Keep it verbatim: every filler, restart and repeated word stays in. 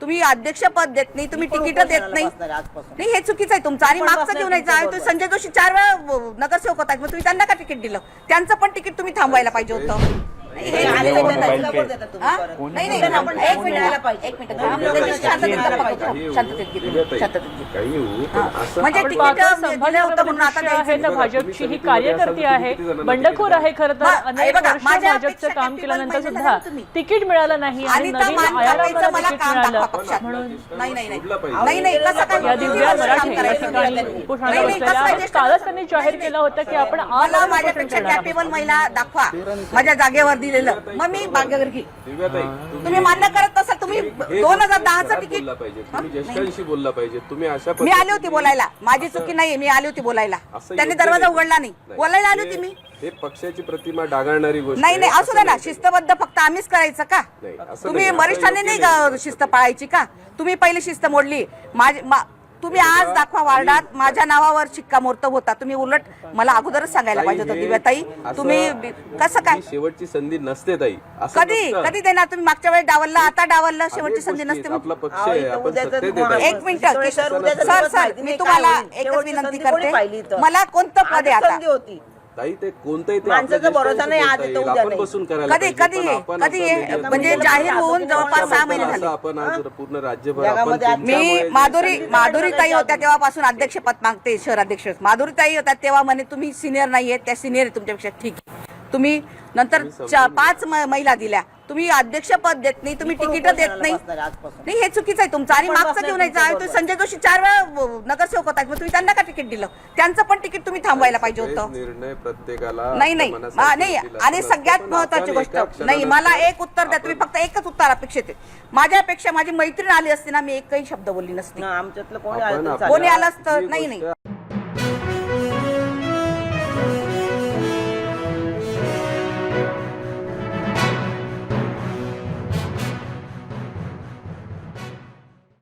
तुम्ही अध्यक्षपद देत नाही, तुम्ही तिकीट देत नाही, नाही हे चुकीचं आहे तुमचं. आणि मागचं घेऊन यायचं आहे. तुम्ही संजय जोशी चार वेळा नगरसेवक होतात, मग तुम्ही त्यांना का तिकीट दिलं? त्यांचं पण तिकीट तुम्ही थांबवायला पाहिजे होतं. नाही नाही नाही एक मिनिट एक मिनिट म्हणजे तिकीट भाजपची ही कार्यकर्ती आहे, बंडखोर आहे खरं तर. अनेक वर्ष भाजपचं काम केल्यानंतर सुद्धा तिकीट मिळालं नाही आणि नवीन आयाराला तिकीट मिळालं म्हणून नाही नाही नाही नाही कसं काय या दिव्या मराठे या ठिकाणी उपोषणाला बसलेल्या. कालच त्यांनी जाहीर केलं होतं की आपण आज मला माझ्यापेक्षा कॅपेबल महिला दाखवा माझ्या जागेवर दिलेलं, मग मी बागेवर घे. तुम्ही मान्य करत असाल, तुम्ही दोन हजार दहाचं तिकीट तुम्ही ज्येष्ठांशी बोलला पाहिजे. तुम्ही अशा मी आली होती बोलायला, माझी चुकी नाही, मी आली होती बोलायला, त्यांनी दरवाजा उघडला नाही, बोलायला आली होती मी. हे पक्षाची प्रतिमा डागाळणारी गोष्ट नाही नाही असू दे ना, शिस्तबद्ध फक्त आम्हीच करायचं का? तुम्ही वरिष्ठांनी नाही शिस्त पाळायची का? तुम्ही पहिली शिस्त मोडली. तुम्ही आज दाखवा वार्डात माझ्या नावावर शिक्कामोर्तब होता, तुम्ही उलट मला अगोदरच सांगायला पाहिजे होतं दिव्याताई. तुम्ही कसं काय शेवटची संधी नसते ताई? कधी कधी देणार तुम्ही? मागच्या वेळेस डावललं, आता डावललं, शेवटची संधी नसते. आपला पक्ष आहे, आपण सत्तेत येतो. एक मिनिट सर सर मी तुम्हाला एकच विनंती करते, मला कोणतं पद आहे आता? ताई ते कोणतंही ते माणसाचा भरोसा नाही, आज येतो उद्या आपण बसून करायला कधी कधी कधी म्हणजे जाहीर होऊन जवळपास सहा महिने झाले. आपण आज पूर्ण राज्यभर आपण मी माधुरी माधुरी ताई होत्या तेव्हापासून अध्यक्षपद मागते, शहर अध्यक्ष माधुरी ताई होत्या तेव्हा म्हणे तुम्ही सिनियर नाहीये, त्या सिनियर आहे तुमच्यापेक्षा. ठीक आहे, तुम्ही नंतर पाच महिला दिल्या, तुम्ही अध्यक्षपद देत नाही, तुम्ही तिकीट देत नाही, नाही हे चुकीचं आहे तुमचं. आणि मागचं घेऊन यायचं आहे. तुम्ही संजय जोशी चार वेळा नगरसेवक होतात, मग तुम्ही त्यांना का तिकीट दिलं? त्यांचं पण तिकीट तुम्ही थांबवायला पाहिजे होतं. निर्णय प्रत्येकाला नाही नाही नाही आणि सगळ्यात महत्वाची गोष्ट नाही, मला एक उत्तर द्या तुम्ही, फक्त एकच उत्तर अपेक्षित आहे. माझ्यापेक्षा माझी मैत्रीण आली असती ना, मी एकही शब्द बोलली नसती. आमच्यातलं कोणी कोणी आलं असतं नाही नाही